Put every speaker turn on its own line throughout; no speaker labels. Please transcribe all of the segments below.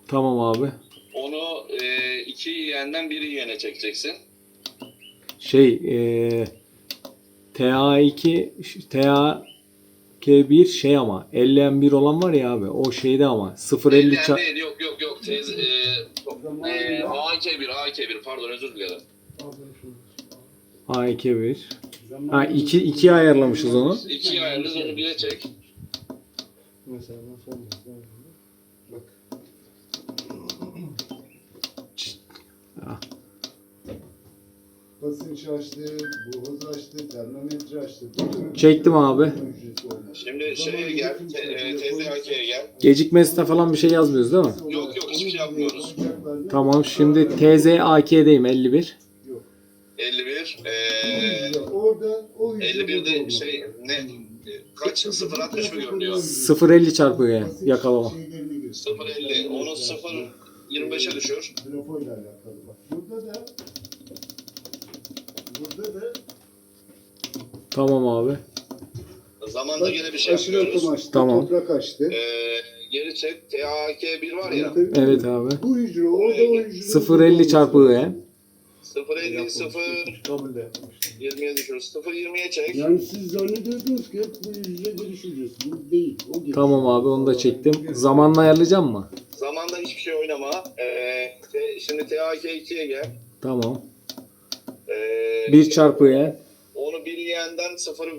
Tamam abi.
Onu iki yeğenden biri yeğene çekeceksin.
TA2 TA-K1 şey ama 50M1 olan var ya abi o şeyde ama 0.50
50 değil, yok. A2-1 pardon, özür dilerim.
A2-1 ha 2 ayarlamışız onu.
2'yi ayarlıyoruz, onu 1'e çek.
Mesela nasıl bak. Basınç açtı, buhaz açtı, termometre açtı.
Çektim abi.
Şimdi şeye gel, TZAK'ye gel.
Gecikmesine falan bir şey yazmıyoruz değil mi?
Yok, hiçbir şey yapmıyoruz.
Tamam şimdi TZAK'deyim 51.
51,
Orada o
51'de kaç? 0.60 mı görünüyor?
0.50 çarpı yakalama.
0.50, onu 0.25'e düşür.
Trafoyla alakalı bak. Burada da
Tamam abi.
Zamanda yine bir şey
aşırı
yapıyoruz.
akım açtı,
Tamam.
toprak açtı.
Geri çek, TAK1 var ya.
Evet abi.
Bu hücre, orada o hücre.
0.50 çarpı
0.50, 0.20'ye düşürüyoruz. 0.20'ye çek.
Yani siz zannediyordunuz ki hep bu hücre geliş hücresi. Bu değil. O geliş.
Tamam abi onu da çektim. Zamanla ayarlayacağım mı?
Zamanda hiçbir şey oynama. Şimdi TAK2'ye gel.
Tamam.
1
1 çarpı
Onu bir yeğenden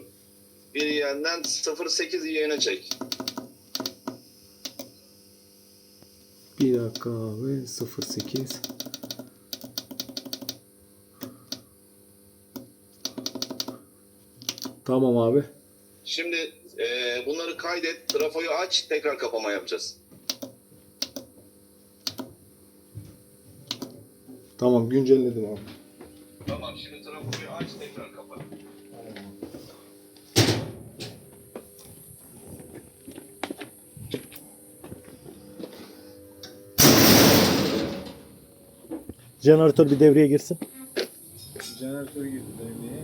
0.8 yeğene çek.
Bir dakika abi 0.8 Tamam abi.
Şimdi bunları kaydet. Trafoyu aç. Tekrar kapama yapacağız.
Tamam güncelledim abi.
Tamam. Şimdi trafoyu aç. Tekrar kapa.
Jeneratör bir devreye girsin.
Jeneratör girdi devreye.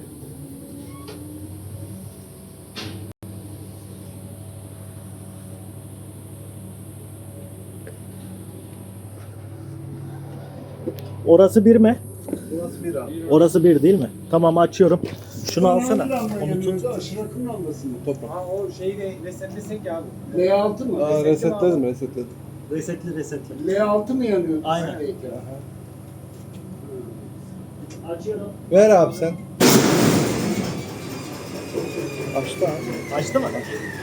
Orası bir mi?
Burası bir an.
Orası bir değil mi? Tamam açıyorum. Şunu alsana. Onu tut.
Aşırı akım lambası mı?
Ha o şeyi de resetlesek ya abi.
L6 mı?
Resetledim.
Resetli.
L6 mı yanıyor?
Aynen.
Peki.
Açıyorum.
Ver abi sen. Açtı abi.
Açtı mı?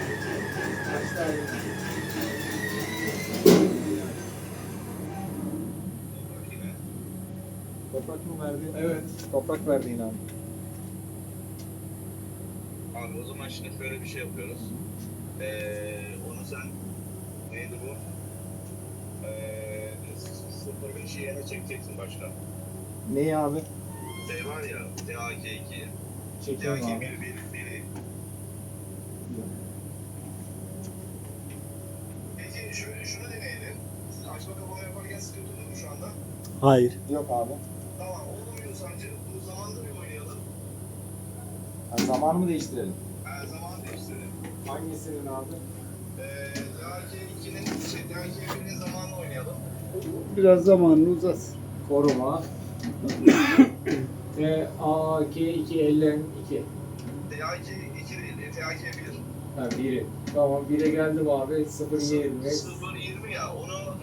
Toprak mı verdi? Evet. Toprak verdi yine abi.
Abi o zaman şimdi şöyle bir şey yapıyoruz. Onu sen neydi bu? 0.5 yeğene çekeceksin başta.
Neyi abi?
Var ya, TAK2.
Çekiyorum
TAK1
abi.
biri. Peki şunu deneyelim. Siz açma kapama yaparken sıkıntı olur mu şu anda?
Hayır.
Yok abi.
Tamam, olmuyor sancı. Bu zamanda bir oynayalım.
Zamanı mı değiştirelim?
Zaman değiştirelim.
Hangisinin abi?
TAK2'nin TAK1'in zamanı oynayalım.
Biraz zamanını uzatsın.
Koruma. TAK2
TAK2 değil, TAK1.
Ha biri. Tamam 1'e geldim abi. 0.20.
0.20 ya, onu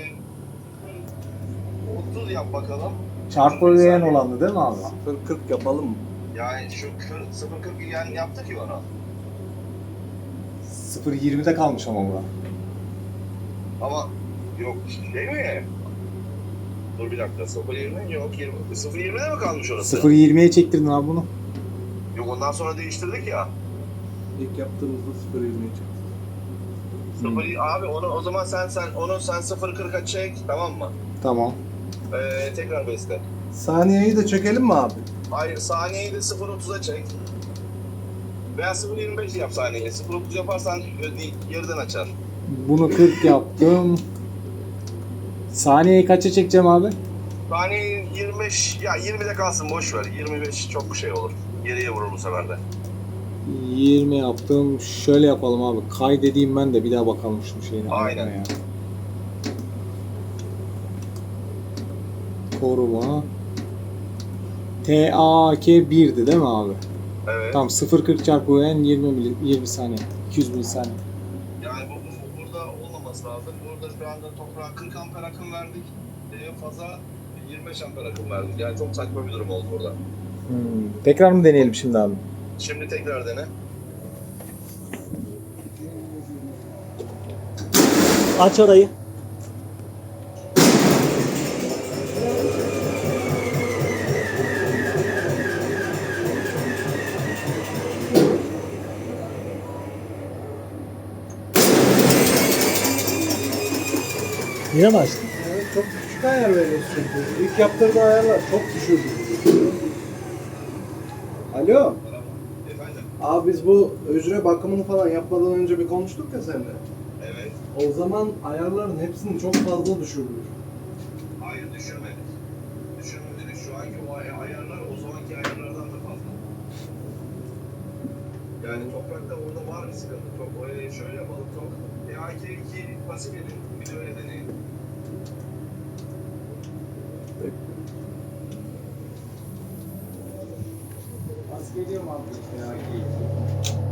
30 yap bakalım.
Çarpı öğeyen olandı değil mi abi?
0.40 yapalım mı?
Yani şu 0.40 yani yaptık ya onu.
0.20'de kalmış ama bura.
Ama yok şey mi? Dur bir dakika, 0.20 yok 20. 0.20'de mi kalmış orası?
0.20'ye çektirdin abi bunu.
Yok, ondan sonra değiştirdik ya.
İlk yaptığımızda 0.20'ye çıktı.
0 abi onu o zaman sen 0.40'a çek, tamam mı?
Tamam.
Tekrar besle.
Saniyeyi de çekelim mi abi?
Hayır, saniyeyi de 0.30'a çek. Veya 0.25 yap saniyeyi. 0.30 yaparsan geriden açar.
Bunu 40 yaptım. Saniyeyi kaça çekeceğim abi?
Saniye 25, ya 20'de kalsın, boş ver. 25 çok şey olur. Geriye vurur bu sefer de.
20 yaptım. Şöyle yapalım abi. Kaydedeyim ben de bir daha bakalım şu şeyine.
Aynen.
Ya. Koruma. TAK 1'di değil mi abi?
Evet.
Tamam 0.40 çarpı UN 20 saniye. 200 milisaniye.
Yani bu burada olmaması lazım. Burada şu anda toprağa 40 amper akım verdik. Faza 25 amper akım verdik. Yani çok saçma bir durum oldu burada.
Tekrar mı deneyelim şimdi abi?
Şimdi tekrar dene.
Aç orayı. Yine mi açtın?
Evet, çok küçük ayar veriyoruz çünkü. İlk yaptırdığı ayarlar çok düşürdü. Alo.
Efendim?
Abi biz bu hücre bakımını falan yapmadan önce bir konuştuk ya seninle.
Evet.
O zaman ayarların hepsini çok fazla düşürdük.
Hayır düşürmedik. Düşürmedik. Şu anki o ayarlar o zamanki ayarlardan da fazla. Yani toprakta orada var bir sıkıntı. Çok şöyle yapalım. Çok AK2 pasif edin. Bir de öyle deneyin.
Az geliyor mu abi? Ya, iyi.